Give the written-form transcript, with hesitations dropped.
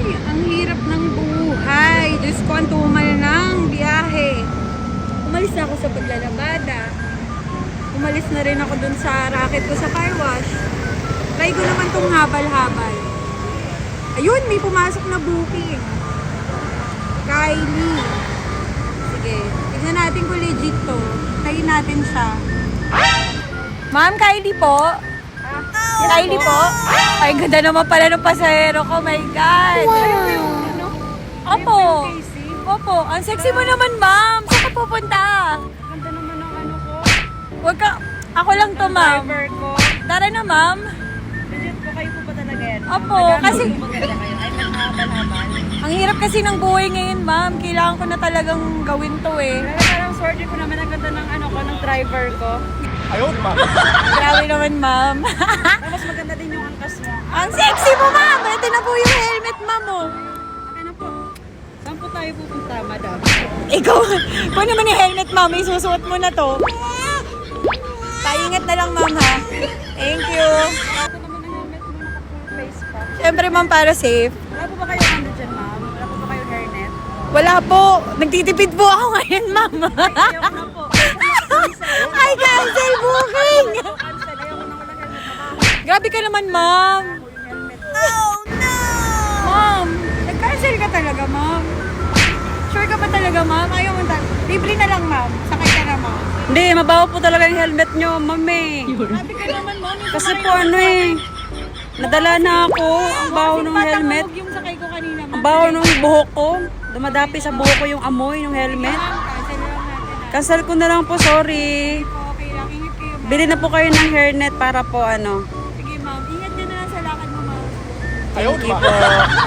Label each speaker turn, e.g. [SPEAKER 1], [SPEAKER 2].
[SPEAKER 1] ang hirap ng buhay. Diyos ko, ang tumal ng biyahe. Umalis na ako sa paglalabada. Umalis na rin ako dun sa racket ko sa car wash. Try ko naman tong habal-habal. Ayun, may pumasok na booking. Kylie. Sige, tignan natin kung legit to. Try natin siya. Ma'am, Kylie po. Kylie po. Ay, ganda naman pala ng pasahero ko. My God.
[SPEAKER 2] Ano?
[SPEAKER 1] Opo. Opo. Ang sexy mo naman, ma'am. Saan ka pupunta?
[SPEAKER 2] Ganda naman ang ano ko.
[SPEAKER 1] Huwag ka. Ako lang to, ma'am.
[SPEAKER 2] Driver ko.
[SPEAKER 1] Tara na, ma'am.
[SPEAKER 2] Legit po kayo po ba talaga yan?
[SPEAKER 1] Opo, kasi
[SPEAKER 2] Maganda kayo. Ay, mahaba-habal.
[SPEAKER 1] ang hirap kasi ng buhay ngayon, ma'am. Kailangan ko na talagang gawin to eh.
[SPEAKER 2] Pero parang sorry ko naman ang ganda ng ano ko, ng driver ko.
[SPEAKER 1] Grabe naman, ma'am.
[SPEAKER 2] Tapos maganda din yung angkas mo.
[SPEAKER 1] Ang sexy mo, ma'am. Ito na po yung helmet, ma'am. Oh.
[SPEAKER 2] Okay na po. Saan po tayo pupunta, madam?
[SPEAKER 1] Ikaw, kung naman yung helmet, ma'am, isusuot mo na to. Paingat na lang, ma'am, ha? Thank you.
[SPEAKER 2] Ito naman ang helmet mo, naka-full face pa.
[SPEAKER 1] Siyempre, ma'am, para safe.
[SPEAKER 2] Wala po ba kayo ano dyan, ma'am? Wala po ba kayo hairnet?
[SPEAKER 1] Wala po. Nagtitipid po ako ngayon, ma'am.
[SPEAKER 2] Ayoko na po.
[SPEAKER 1] Ay, cancel booking.
[SPEAKER 2] Cancel. Ayoko na wala helmet. Mabaho
[SPEAKER 1] Grabe ka naman, ma'am.
[SPEAKER 2] yung helmet.
[SPEAKER 1] Ma'am, nag-cancel ka talaga, ma'am. Sure ka ba talaga, ma'am? Ayaw mo libre na lang, ma'am. Sakay ka na, ma'am.
[SPEAKER 2] Hindi, mabaho po talaga yung helmet nyo, mami.
[SPEAKER 1] Grabe ka naman, ma'am. Yung
[SPEAKER 2] Kasi
[SPEAKER 1] sakay
[SPEAKER 2] po
[SPEAKER 1] ko
[SPEAKER 2] ano
[SPEAKER 1] sa-
[SPEAKER 2] eh. Nadala na ako. Ang baho ng helmet.
[SPEAKER 1] Matangog yung sakay ko kanina, ma'am.
[SPEAKER 2] Ang baho ng buhok ko. Dumadapi sa buhok ko yung amoy ng helmet.
[SPEAKER 1] Ma'am, cancel na lang natin, ha?
[SPEAKER 2] Cancel ko na lang po, sorry.
[SPEAKER 1] Okay lang. Ingat kayo, ma'am.
[SPEAKER 2] Bili na po kayo ng hairnet para po ano.
[SPEAKER 1] Sige, ma'am. Ingat ka na lang sa lakad mo, ma'am.
[SPEAKER 2] Thank you po.